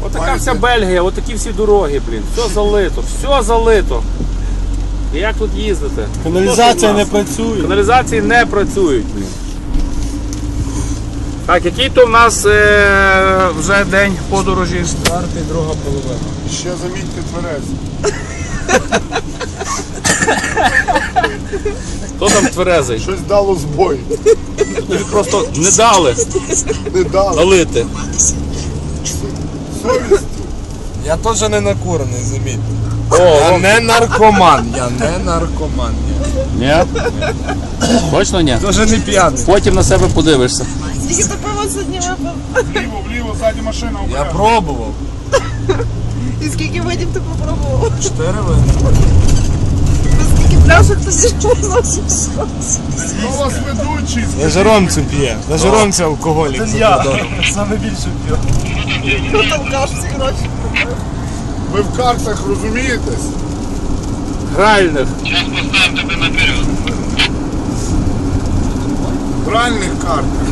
Отака вся Бельгія, отакі всі дороги, блін. Все залито, все залито. І як тут їздити? Каналізація не працює. Каналізації не працюють, блін. Так, який то в нас вже день подорожі? Четвертий, друга половина. Ще замітьте тверезі. Хто там тверезий? Щось дало збой. Тобі просто не дали Не дало. налити. Совість. Я теж не накурений, замітьте. О, Я не наркоман, я не наркоман. ні? Точно ні? Теж не п'яний. Потім на себе подивишся. Скільки ти пиво сьогодні випив? Вліво, ззаді машина Я обережно. пробував. І скільки видів ти попробував? 4 види. Скільки пляшок тоді носиш? Хто у вас ведучий? На жаромцю п'є. На жаромцю алкоголік. Я. Саме більше п'ю. Хто толкаш ці гроші? Ви в картах розумієтесь? Гральних. В реальних картах.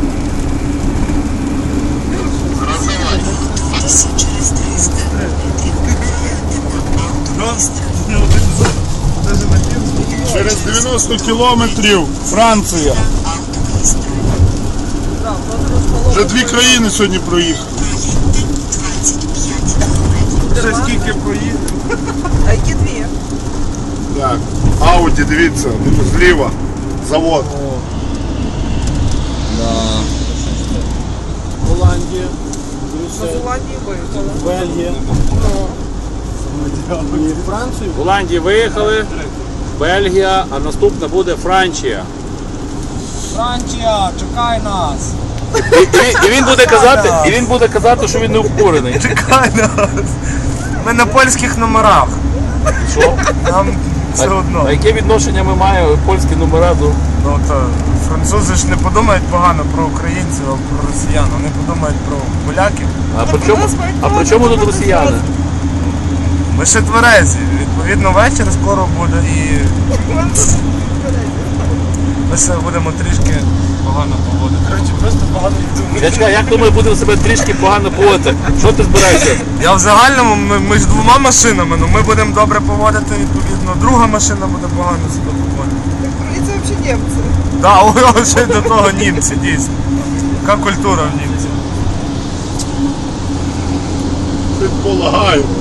Через 90 кілометрів Франція. Вже 2 країни сьогодні проїхали. Ще скільки проїхав. А які дві? Так. Ауді, дивіться, зліва. Завод. Голландія, На Зеландії виїхали. Бельгія. І Францію. В Голландії виїхали, Бельгія, а наступна буде Франція. Франція, чекай нас. І він буде казати, що він не обкурений. Чекай нас. Ми на польських номерах. Що? Нам все одно. А яке відношення ми маємо польські номера до... Ну то французи ж не подумають погано про українців, а про росіян. Вони подумають про поляків. А при чому тут росіяни? Ми ще тверезі. Відповідно, вечір скоро буде і ми ще будемо трішки погано поводити. Коротше, просто погано думати. Я чекаю, як ми будемо себе трішки погано поводити? Що ти збираєшся? Я в загальному, ми ж 2 машинами, ну ми будемо добре поводити, відповідно, друга машина буде погано себе поводити. Це взагалі німці. Так, да, ще й до того німці, дійсно. Яка культура в німців? Предполагаю.